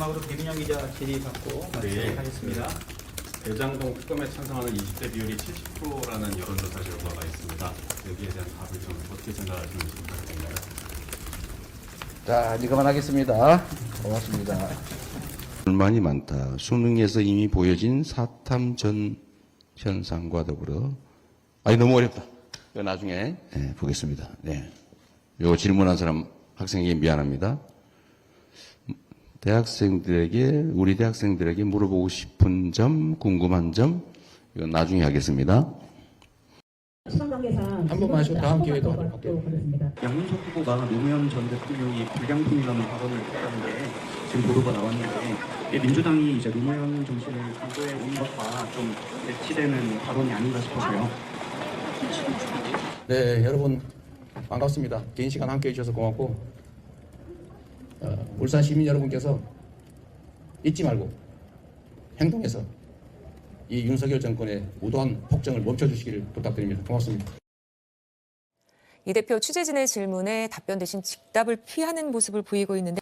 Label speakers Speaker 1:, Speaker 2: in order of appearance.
Speaker 1: 마지막으로 김인영 기자 질의받고 마치겠습니다.
Speaker 2: 대장동 특검에 찬성하는 20대 비율이 70%라는 여론조사 결과가 있습니다. 여기에 대한 답을 좀 어떻게 생각하시는지 부탁드립니다.
Speaker 3: 자, 이제 그만하겠습니다. 고맙습니다.
Speaker 4: 불만이 많다. 수능에서 이미 보여진 사탐 전 현상과 더불어 너무 어렵다. 이거 나중에 보겠습니다. 네. 요 질문한 사람 학생에게 미안합니다. 우리 대학생들에게 물어보고 싶은 점, 궁금한 점, 이건 나중에 하겠습니다.
Speaker 3: 한 번만 하시고 다음 기회에도 하도록 할게요.
Speaker 5: 양문석 후보가 노무현 전 대통령이 불량품이라는 발언을 했다는 게 지금 보도가 나왔는데 민주당이 이제 노무현 정신을 강조해 온 것과 좀 매치되는 발언이 아닌가 싶어서요.
Speaker 3: 네, 여러분 반갑습니다. 긴 시간 함께 해주셔서 고맙고 울산 시민 여러분께서 잊지 말고 행동해서 이 윤석열 정권의 무도한 폭정을 멈춰주시기를 부탁드립니다. 고맙습니다.
Speaker 6: 이 대표 취재진의 질문에 답변 대신 직답을 피하는 모습을 보이고 있는데